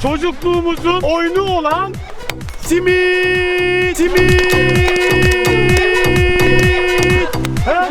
Çocukluğumuzun oyunu olan simit. Simit. He?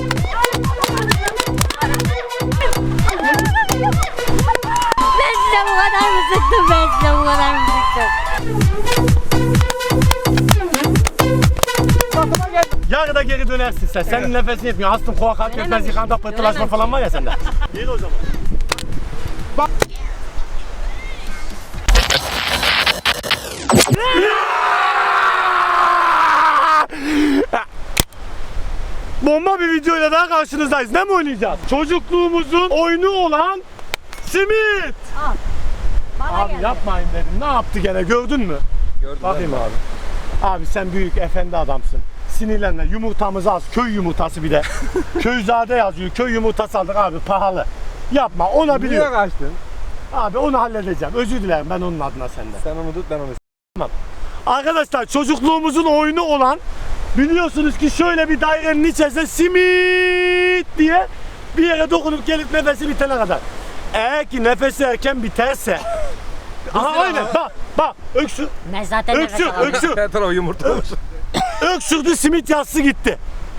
Ben size bu kadar mı sıktım? Ben size bu kadar mı sıktım? Yarıda geri dönersin sen. Senin nefesin yetmiyor. Astım, kulak, kalp yetmez, yıkanda pıhtılaşma falan var ya sende. Geri o zaman. Bak. Bomba bir videoyla daha karşınızdayız. Ne mi oynayacağız? Çocukluğumuzun oyunu olan simit. Al. Bana Abi geldi. yapmayın dedim. Ne yaptı gene gördün mü? Gördüm. Bakayım abi. Abi sen büyük efendi adamsın. Sinirlenme. Yumurtamızı az. Köy yumurtası bir de. Köyzade yazıyor. Köy yumurtası aldık abi, pahalı. Yapma, ona Niye biliyorum. kaçtın? Abi onu halledeceğim. Özür dilerim ben onun adına senden. Sen onu tut, ben onu. Arkadaşlar çocukluğumuzun oyunu olan, biliyorsunuz ki şöyle bir dairenin içerisinde simit diye bir yere dokunup gelip nefesi bitene kadar. Eğer ki nefesi erken biterse aha aynen bak öksür Ben zaten nefes öksür alamıyorum. öksür Her tarafı yumurta olmuş. öksürdü, simit yassı gitti.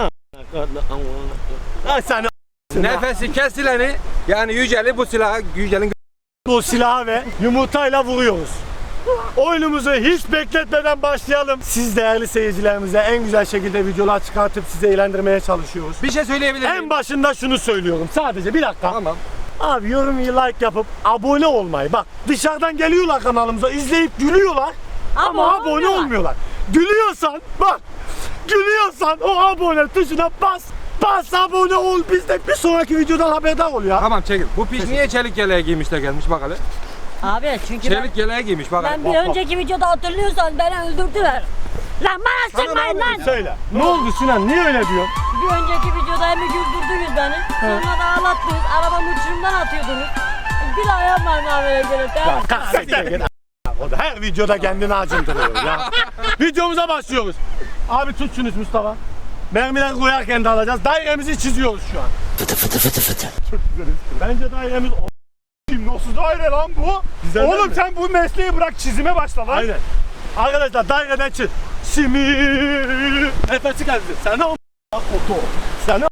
Ha sen Nefesi kesileni, yani Yücel'i bu silahı, Yücel'in bu silahı ve yumurtayla vuruyoruz. Oyunumuzu hiç bekletmeden başlayalım. Siz değerli seyircilerimize en güzel şekilde videolar çıkartıp sizi eğlendirmeye çalışıyoruz. bir şey söyleyebilir miyim? En başında şunu söylüyorum. Sadece bir dakika. Tamam. Abi yorum, like yapıp abone olmayı. Bak dışarıdan geliyorlar kanalımıza, izleyip gülüyorlar. Ama abone olmuyorlar. Gülüyorsan bak. Gülüyorsan o abone tuşuna bas. Bas abone ol. Biz de bir sonraki videodan haberdar ol ya. Tamam çekil. Bu piç niye çelik yeleği giymiş de gelmiş bak hele. Abi çünkü Çelik yeleği giymiş bak hele. ben bir önceki videoda hatırlıyorsan beni öldürdüler. Lan bana sıkmayın lan. Söyle. Ne oldu Sinan? Niye öyle diyorsun? Bir önceki videoda hem güldürdünüz beni. Sonra da ağlattınız. Arabamı uçurumdan atıyordunuz. Bir ayağım var muamele gelip. Ya kahretsin git. O da her videoda kendini acındırıyor ya. Videomuza başlıyoruz. Abi tut şunu Mustafa. Mermiler koyarken de alacağız. Dairemizi çiziyoruz şu an. Fıtı fıtı fıtı fıtı. Çok güzel. Bence dairemiz Nasıl daire lan bu? Güzel değil Oğlum mi? sen bu mesleği bırak, çizime başla lan. Aynen. Arkadaşlar daireden çiz. Simit. Nefesi geldi. Sana oto. Sana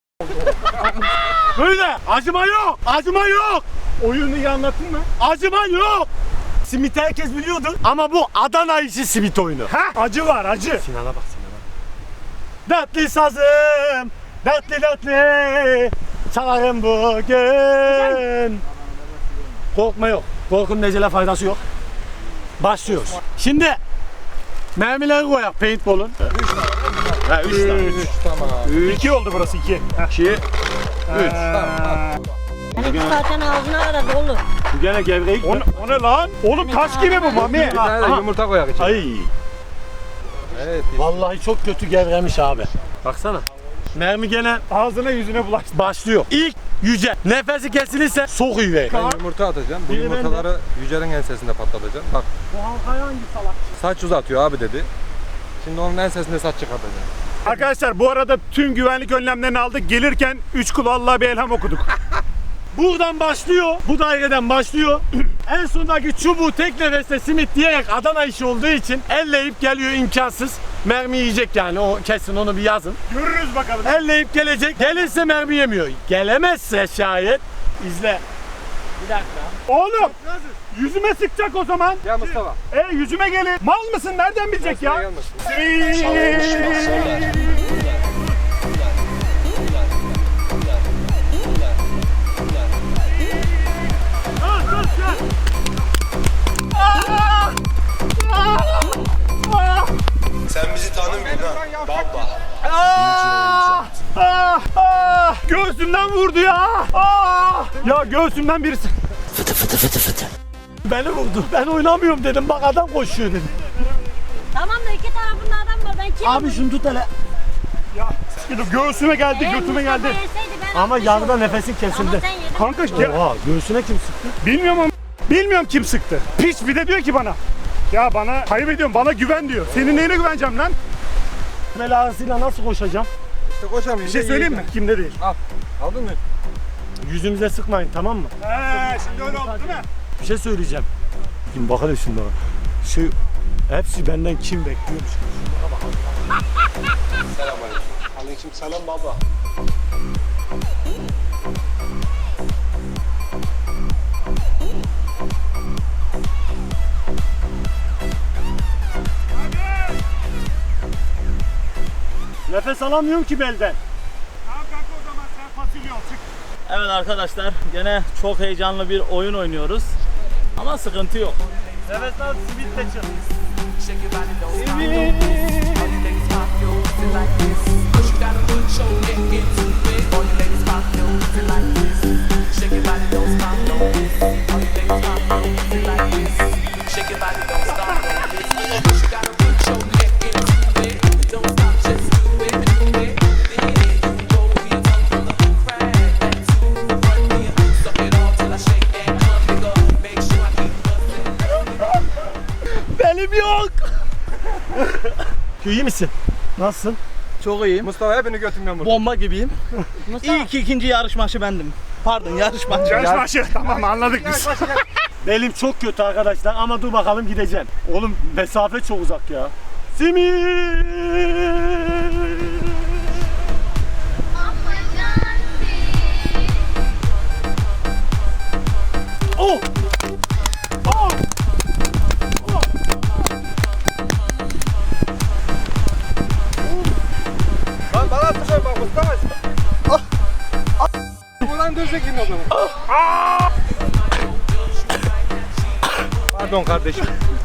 böyle. Acıma yok. Acıma yok. Oyunu iyi anlattın mı? Acıma yok. Simit herkes biliyordur ama bu Adana işi simit oyunu. Ha? Acı var, acı. Sinan'a bak Sinan'a. Dertli sazım, dertli çalarım bugün. Korkma yok. Korkunun necele faydası yok. Başlıyoruz. Şimdi mermileri koyak paintball'un. 3 tane. 3 tamam. 2 oldu burası, 2. 2, 3. Seninki zaten ağzına kadar dolu. Bu gene gevrek. O ne lan? Oğlum taş gibi bu Mami. Bir tane de Aha. yumurta koyak içine. Ay. Evet. Vallahi çok kötü gevremiş abi. Baksana. Mermi gene Ağzına yüzüne bulaştı. başlıyor. İlk Yüce. Nefesi kesilirse sokuyu ver. Ben yumurta atacağım. Bu Biri yumurtaları Yücel'in ensesinde patlatacağım. Bak Bu halkaya hangi salak? saç uzatıyor abi dedi. Şimdi onun ensesinde saç çıkartacağım. Arkadaşlar bu arada tüm güvenlik önlemlerini aldık. Gelirken 3 kulu Allah'a bir elham okuduk. Buradan başlıyor, bu daireden başlıyor. En sondaki çubuğu tek nefeste simit diyerek Adana işi olduğu için elleyip geliyor, imkansız. Mermi yiyecek yani, o kesin, onu bir yazın. Görürüz bakalım. Elleyip gelecek, gelirse mermi yemiyor. Gelemezse şayet, izle. Bir dakika. Oğlum yüzüme sıkacak o zaman. Ya Mustafa. Yüzüme gelin. Mal mısın? Nereden bilecek ya? Gelmesin. Sen bizi tanımıyorsun ha. Baba. Göğsümden vurdu ya. Ya göğsümden birisi. Beni vurdu. Ben oynamıyorum dedim, bak adam koşuyor dedim. Tamam da iki tarafında adam var. Ben kim? Abi şunu tut hele. Ya göğsüme geldi, götüme geldi. Ama yarıda nefesin kesildi. Ama sen yedin. Kanka ya, Oha, göğsüne kim sıktı? bilmiyorum ama bilmiyorum kim sıktı. Piç bir de diyor ki bana. Ya bana kaybediyorum, bana güven diyor. Senin neyine güveneceğim lan? Bel ağrısıyla nasıl koşacağım? İşte koşamıyorum. Bir şey söyleyeyim mi? Kimde değil. Al. Aldın mı? Yüzümüze sıkmayın, tamam mı? Şimdi öyle oldu değil mi? Bir şey söyleyeceğim. Şimdi bakalım şunlara. Şu hepsi benden kim bekliyormuş? Şunlara bakalım. Selamünaleyküm. Aleykümselam baba. Nefes alamıyorum ki belden. Tamam kanka o zaman sen fasulye ol çık. Evet arkadaşlar gene çok heyecanlı bir oyun oynuyoruz. Ama sıkıntı yok. Nefes al, simit de çık. Benim yok. İyi misin? Nasılsın? Çok iyiyim. Mustafa hepini götümden vurdu. Bomba gibiyim. Mustafa. İyi ki ikinci yarışmacı bendim. Pardon yarışmacı. Yarışbaşı. Tamam anladık biz. Belim çok kötü arkadaşlar ama dur bakalım gideceğim. Oğlum mesafe çok uzak ya. Simit. Oh! Oh! Lan bana atacağım bak Mustafa. Ulan dövsek yine o zaman. Pardon kardeşim.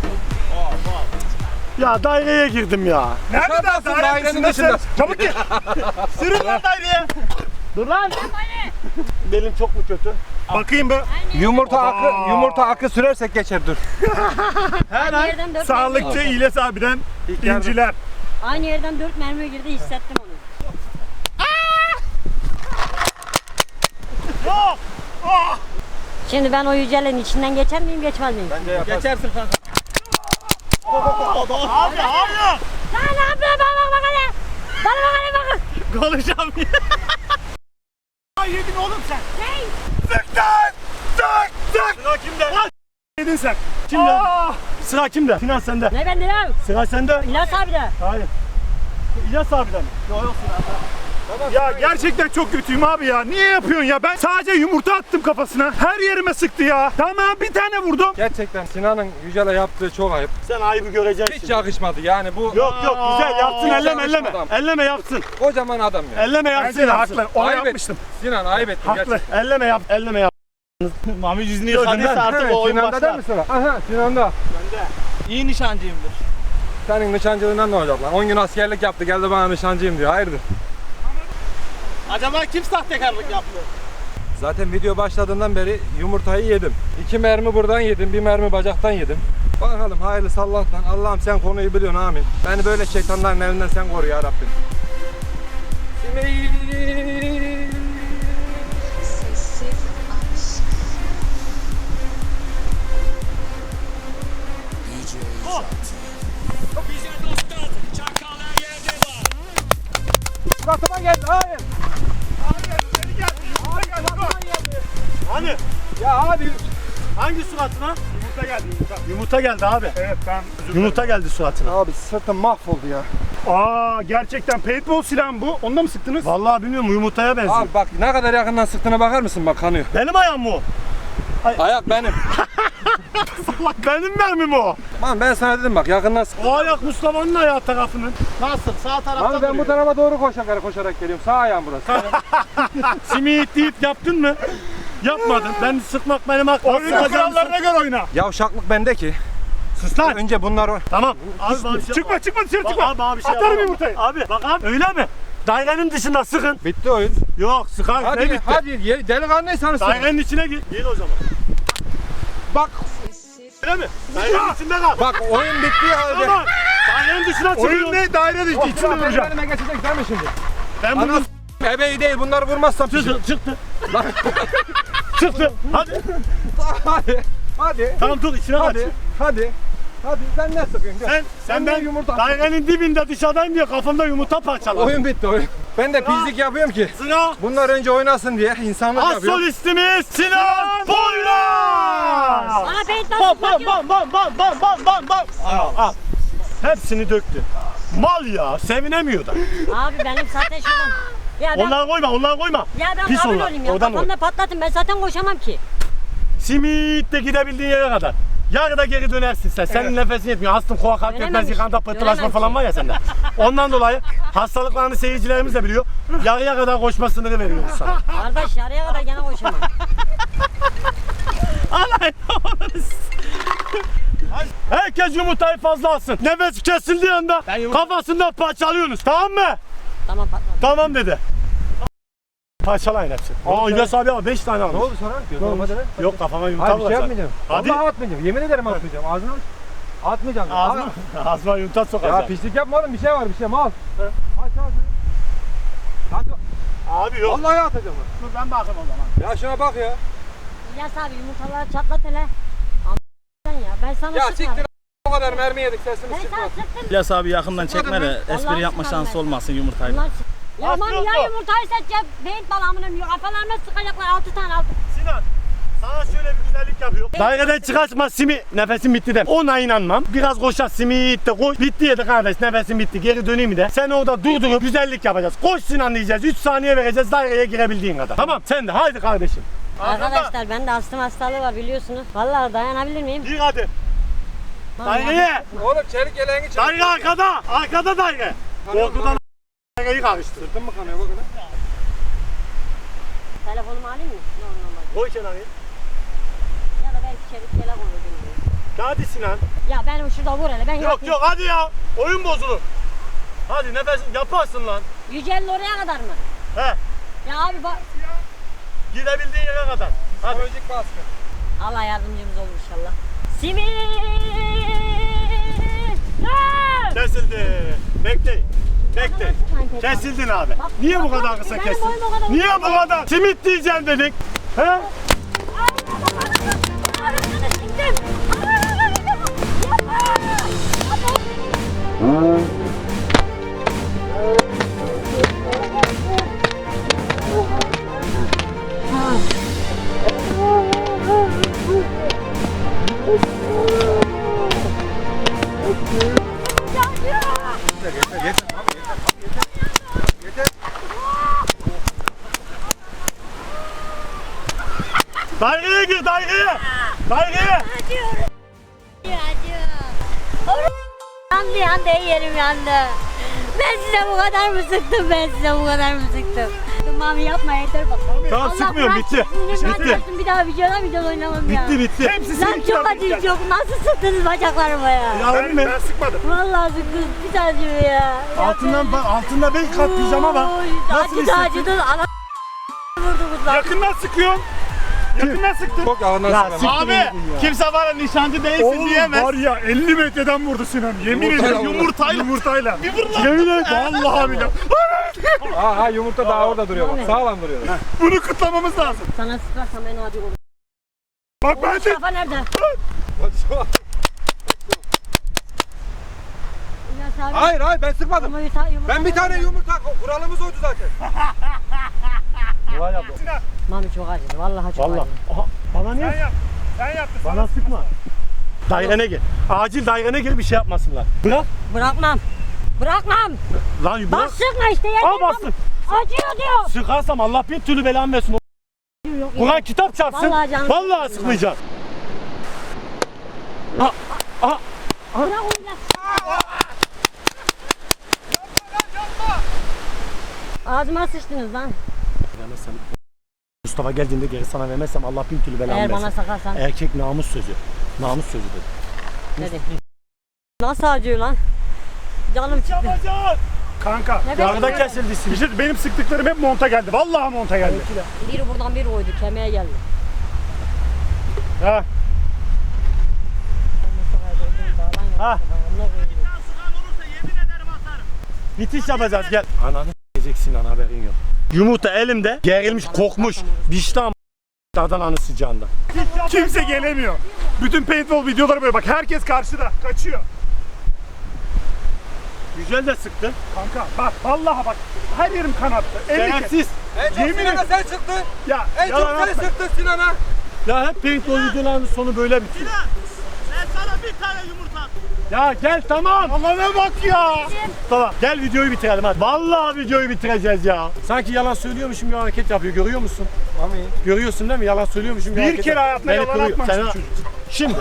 Ya daireye girdim ya. Nerede Dışarıdasın, dairenin dışında. Çabuk gel. Sürün lan daireye. Dur lan. Belim çok mu kötü? Bakayım be. Yumurta akı sürersek geçer dur. Aynı yerden 4 Sağlıkçı İlyas abiden yardım. inciler. Aynı yerden 4 mermi girdi, hissettim onu. Yok. Şimdi ben o yücelerin içinden geçer miyim, geçmez miyim? Bence yaparsın. Geçersin kanka. Abi hayır. Sen ne yapıyorsun? Bak hele. Bana bak hele bakın. Konuşamıyorum. Yedin oğlum sen. Sık lan. Sık. Sık. Sıra kimde? Lan. Yedin sen. Kimde? Sıra kimde? Sinan sende. Ne bende ya? Sıra sende. İlyas abi de. Hayır. İlyas abiden mi? Yok Ya gerçekten çok kötüyüm abi ya. Niye yapıyorsun ya? Ben sadece yumurta attım kafasına. Her yerime sıktı ya. Tamam bir tane vurdum. Gerçekten Sinan'ın Yücel'e yaptığı çok ayıp. Sen ayıbı göreceksin. Hiç yakışmadı yani bu. Yok güzel yapsın, Hiç elleme yakışmadı elleme. adam. Elleme yapsın. Kocaman adam ya. Elleme yapsın. Bence de yapsın. haklı. Onu Ayıp yapmıştım. Sinan ayıp ettin Haklı. gerçekten. Elleme yap, elleme yap. Mami yüzünü Gördün yıkadıysa lan. artık o oyun Sinan'da değil başlar. mi sıra? Aha Sinan'da. İyi nişancıyımdır. Senin nişancılığından ne olacak lan? 10 gün askerlik yaptı geldi bana nişancıyım diyor. Hayırdır? Acaba kim sahtekarlık yapıyor? Zaten video başladığından beri yumurtayı yedim. 2 mermi buradan yedim, 1 mermi bacaktan yedim. Bakalım hayırlısı Allah'tan. Allah'ım sen konuyu biliyorsun amin. Beni böyle şeytanların elinden sen koru ya Rabbim. Sessiz aşk. Suratıma geldi hayır. Hani? Ya abi. Hangi suratına? Yumurta geldi yumurta. Yumurta geldi abi. Evet ben Yumurta geldi suratına. Abi sırtım mahvoldu ya. Aa gerçekten paintball silahı mı bu? Onda mı sıktınız? Vallahi bilmiyorum yumurtaya benziyor. Abi bak ne kadar yakından sıktığına bakar mısın bak kanıyor. Benim ayağım mı o? Ayak benim. Benim mermim o. Lan ben sana dedim bak yakından sık. O ayak Mustafa'nın ayağı tarafının. Nasıl? Sağ tarafta Abi ben bu tarafa doğru koşarak geliyorum. Sağ ayağım burası. Simit deyip yaptın mı? Yapmadın. Ben sıkmak benim hakkım. Oyunun kurallarına göre oyna. Yavşaklık bende ki. Sus lan. Önce bunlar Tamam. Abi bana bir şey Çıkma çıkma dışarı Bak çıkma. abi bana bir şey Atarım yapamam. yumurtayı. Abi bak abi öyle mi? Dairenin dışında sıkın. bitti oyun. Yok sıkar. Ne Hadi bitti? hadi delikanlıysanız sıkın. Dairenin içine gir. Gir o zaman. Bak Öyle mi? Dairenin içinde kal. bak oyun bittiği halde. Tamam. Dairenin dışına çıkıyor. Oyun ne? Daire dışı içinde Benim duracağım. elime geçecek değil mi şimdi? Ben bunu Ana ebeği değil bunları vurmazsam pişir. çıktı. Çıktı. Hadi. Hadi. Hadi. Tamam dur içine kaç. Hadi. Hadi. Hadi sen ne sıkıyorsun? Gel. Sen ben yumurta dairenin dibinde dışarıdayım diye kafamda yumurta parçaladım. Oyun bitti oyun. Ben de pislik yapıyorum ki. Sıra Bunlar önce oynasın diye insanlık az yapıyor. solistimiz Sinan Poyraz. Bana beyin Bam nasıl bam bakıyor? bam bam bam bam bam bam bam. Al. Hepsini döktü. Mal ya, sevinemiyor da. Abi benim zaten şuradan. Ya ben, Onları koyma. ya ben Pis kabul onlar. olayım ya. Oradan Kafamda patlatın, ben zaten koşamam ki. Simitle gidebildiğin yere kadar. Yarıda geri dönersin sen. Senin nefesin yetmiyor. Astım, koa, kalp Dönemem yetmez, ki. yıkanda, pıhtılaşma Dönemem falan ki. var ya sende. Ondan dolayı hastalıklarını seyircilerimiz de biliyor. Yarıya kadar koşma sınırı veriyoruz sana. Kardeş yarıya kadar gene koşamam. Herkes yumurtayı fazla alsın. Nefes kesildiği anda kafasından parçalıyorsunuz. Tamam mı? Tamam patladı. Tamam dedi. Parçalayın hepsini. Aa İlyas abi ama 5 tane Ne almış. oldu sonra? Normalde ne? Yok kafama yumurta Hayır bir şey vuracak. yapmayacağım. Hadi. Vallahi atmayacağım. Yemin ederim atmayacağım. Ağzına aç. Atmayacağım. Ağzıma, ağzıma yumurta Ya sokacak. pislik yapma oğlum, bir şey var, bir şey mal. Aç ağzını. Aç. Abi yok. Vallahi atacağım. Dur ben bakayım o zaman. Ya şuna bak ya. İlyas abi yumurtaları çatlat hele. Ama ya ben sana Ya sıkmadım. siktir o kadar mermi yedik, sesimiz Ben sana çıkmaz. sıktım. İlyas abi yakından çekme de espri Vallahi yapma sıkarım şansı ben. olmasın yumurtayla. Bunlar sık. Ya aman Aslında ya bu. yumurtayı seçeceğim. Beyin balamının kafalarına sıkacaklar 6 tane altı. Sinan, sana şöyle bir güzellik yapıyor. Daireden çıkartma Simi, nefesim bitti de. Ona inanmam. Biraz koşar Simi de koş. Bitti yedi kardeş, nefesim bitti. Geri döneyim de. Sen orada durdurup güzellik yapacağız. Koş Sinan diyeceğiz. 3 saniye vereceğiz daireye girebildiğin kadar. Tamam sen de haydi kardeşim. Arkadaşlar bende astım hastalığı var biliyorsunuz. Vallahi dayanabilir miyim? Gir hadi. Vallahi. Daireye. Oğlum çelik yeleğini çek. Daire arkada. Arkada daire. Korkudan daireyi karıştır. Sırtın mı kanıyor bakın? Telefonumu alayım mı? Normal. Koy kenarı. Ya da belki çelik yelek olur bilmiyorum. Hadi Sinan. Ya benim şurada vur hele ben Yok yapayım. yok hadi ya. Oyun bozulur. Hadi nefes yaparsın lan. 150 oraya kadar mı? He. Ya abi bak. Gidebildiğin yere kadar. Hadi. Psikolojik baskı. Allah yardımcımız olur inşallah. Simi! Kesildi. Bekleyin. Bekleyin. Kesildin abi. Niye bu kadar kısa Benim kestin? boyum o kadar Niye uzun. bu kadar? Simit diyeceğim dedik. He? Arasını siktim. Daireye gir daireye. Daireye. Yandı yerim yandı. Ben size bu kadar mı sıktım? Ben size bu kadar mı sıktım? Mami yapma yeter bak. Tamam, sıkmıyorum, bırak, bitti. sinirimi Bitti. attırdım, bir daha video oynamam ya. Bitti bitti. Lan çok acıyor çok. Nasıl sıktınız bacaklarıma ya? Yarın mı? Ben sıkmadım. Vallahi sıktınız bir tane acıyor ya. Altında 5 kat pijama var. Oy, Nasıl acıdı hissettin? acıdı. Ana vurdunuz lan. Yakından sıkıyorum. Yakından sıktım. Çok ağırdan Ya sıkma. siktir Abi gidin ya. kimse bana nişancı değilsin Oğlum diyemez. var ya 50 metreden vurdu Sinan. Yemin Yumurtayla ederim vurdu. yumurtayla. Yemin ederim. Vallahi billahi. Ha yumurta daha orada duruyor bak. Sağlam duruyor. Bunu kutlamamız lazım. Sana sıkarsam en adi olur. Bak ben de Kafa nerede? İlyas abi. Hayır ben sıkmadım. Yumurta Ben bir tane yumurta, kuralımız oydu zaten. Mami çok acıdı. Vallahi çok Valla. acıdı. Aha, bana sen niye? yap. Sen yaptın. Bana sıkma. Dairene gir. Acil dairene gir bir şey yapmasınlar. Bırak. Bırakmam. Bırakmam. Lan Bak bırak. sıkma işte. Al yeter. bassın. Acıyor diyor. Sıkarsam Allah bir türlü belamı versin. Yok, Kur'an kitap çarpsın. Vallahi canım. Vallahi sıkmayacağım. Bırak onu ya. Ağzıma sıçtınız lan. Vermezsem, Mustafa geldiğinde geri sana vermezsem Allah bin türlü belamı Eğer bana versin. sakarsan. Erkek namus sözü. Namus sözü dedi. Dedi. Nasıl acıyor lan? Canım çıktı. Yapacağız. Kanka. Ne Yarıda bekliyorsun? kesildi Bir simit. şey, benim sıktıklarım hep monta geldi. Vallahi monta geldi. Biri buradan biri oydu. Kemiğe geldi. Ha. Ha. Bitiş yapacağız gel. Ananı s**eceksin lan haberin yok. Yumurta elimde gerilmiş kokmuş. Bişti ama Adana'nın sıcağında. Kimse gelemiyor. Bütün paintball videoları böyle bak, herkes karşıda kaçıyor. Güzel de sıktın. Kanka bak vallahi bak, her yerim kanattı. 50 kez. Şerefsiz. En çok Yemin Sinan'a ederim. sen çıktın. Ya En çok yalan sen atma. sıktın Sinan'a. Ya hep paintball videolarının sonu böyle bitiyor. Ben sana bir tane yumurta attım. Ya gel tamam. Allah'ına bak ya. Tamam gel videoyu bitirelim hadi. Vallahi videoyu bitireceğiz ya. Sanki yalan söylüyormuşum bir hareket yapıyor, görüyor musun? Mami. Görüyorsun değil mi? Yalan söylüyormuşum bir Bir hareket kere yapıyor. hayatına Beni yalan kırıyor. atmamış Sen- bu çocuk. Şimdi.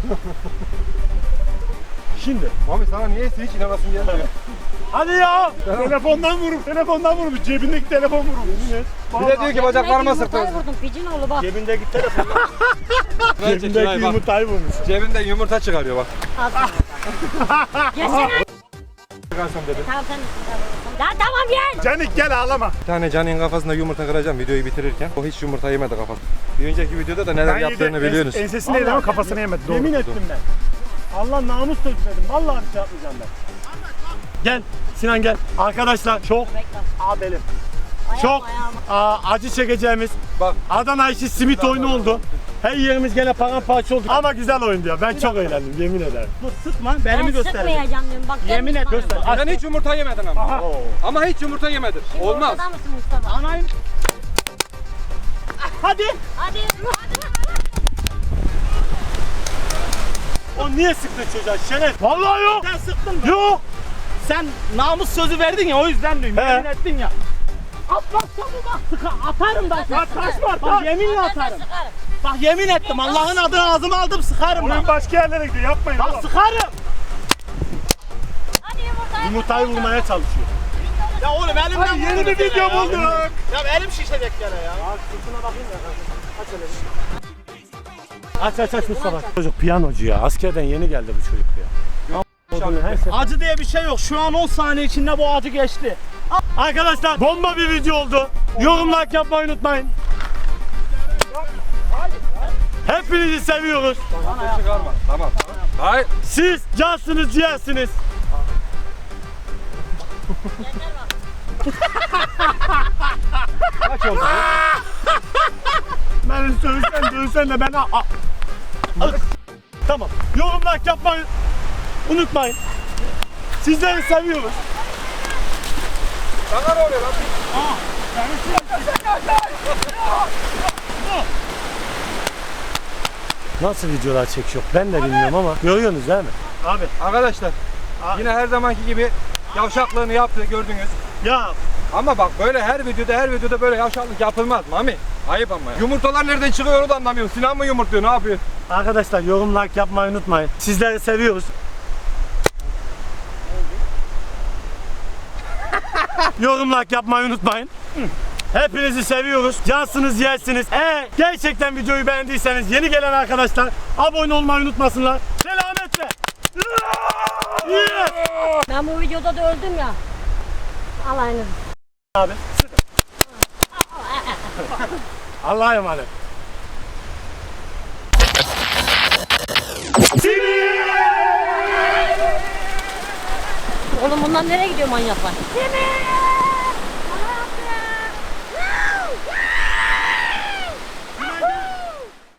Şimdi. Mami sana niyeyse hiç inanasın gelmiyor. Hadi ya. Telefondan vurup cebindeki telefon vurup. Bir de diyor ki bacaklarıma sıktın. Yumurtayı vurdum picin oğlu bak. Cebindeki telefon. Cebindeki Cebindeki yumurtayı vurmuş. Cebinden yumurta çıkarıyor bak. Geçsene. Çıkarsam dedi. Tamam sen. Ya tamam gel. Canik gel ağlama. Bir tane Can'ın kafasında yumurta kıracağım videoyu bitirirken. O hiç yumurta yemedi kafasında. Bir önceki videoda da neler yaptığını biliyorsunuz. Ensesini yedi ama kafasını yemedi. Doğru. Yemin ettim ben. Allah namus dökmedim. Vallahi bir şey yapmayacağım ben. Gel Sinan gel. Arkadaşlar çok abelim. Çok acı çekeceğimiz Bak. Adana işi simit oyunu oldu. Her yerimiz gene paramparça oldu. Ama güzel oyundu ya. Ben çok eğlendim yemin ederim. Dur sıkma, Ben belimi göster. sıkmayacağım diyorum. Bak Yemin et, göster. Sen hiç yumurta yemedin ama. Ama hiç yumurta yemedin. Olmaz. Ortada mısın Mustafa? Anayım. Hadi. Hadi. O niye sıktı çocuğa Şeref? Vallahi yok. Sen sıktın mı? Yok. Sen namus sözü verdin ya, o yüzden diyorum. He. Yemin ettin ya. Atmazsan bak atarım ben seni. Bak yeminle Ben atarım. sıkarım. Bak yemin ettim, Allah'ın adını ağzıma aldım, sıkarım Oyun bak. başka yerlere gidiyor, yapmayın Bak oğlum. sıkarım. Hadi yumurtayı. Yumurtayı vurmaya çalışıyor. Ya oğlum elimden Hadi yeni vurdun bir gene video ya. bulduk. Ya elim şişecek gene ya. Aç Mustafa. Çocuk piyanocu ya. Askerden yeni geldi bu çocuk ya. Her şey- Acı diye bir şey yok. Şu an 10 saniye içinde bu acı geçti. Arkadaşlar bomba bir video oldu. Yorum like yapmayı unutmayın. Hepinizi seviyoruz. Çıkarma. Tamam. Hayır. Siz cansınız, ciğersiniz. Kaç oldu? Beni dövsen de ben... Tamam. Yorum like yapmayı unutmayın. Sizleri seviyoruz. Sana ne oluyor lan? Nasıl videolar çekiyor ben de bilmiyorum ama görüyorsunuz değil mi? Abi Arkadaşlar yine her zamanki gibi yavşaklığını yaptı gördünüz. ya Ama bak böyle her videoda böyle yavşaklık yapılmaz Mami. Ayıp ama ya. Yumurtalar nereden çıkıyor o da anlamıyorum. Sinan mı yumurtluyor, ne yapıyor? arkadaşlar yorum like yapmayı unutmayın. Sizleri seviyoruz. Yorum like yapmayı unutmayın. Hepinizi seviyoruz. Cansınız, yersiniz. Eğer gerçekten videoyu beğendiyseniz yeni gelen arkadaşlar abone olmayı unutmasınlar. Selametle. Yes. Ben bu videoda da öldüm ya. Alayınız. Abi. Allah'a emanet. Oğlum bunlar nereye gidiyor manyaklar?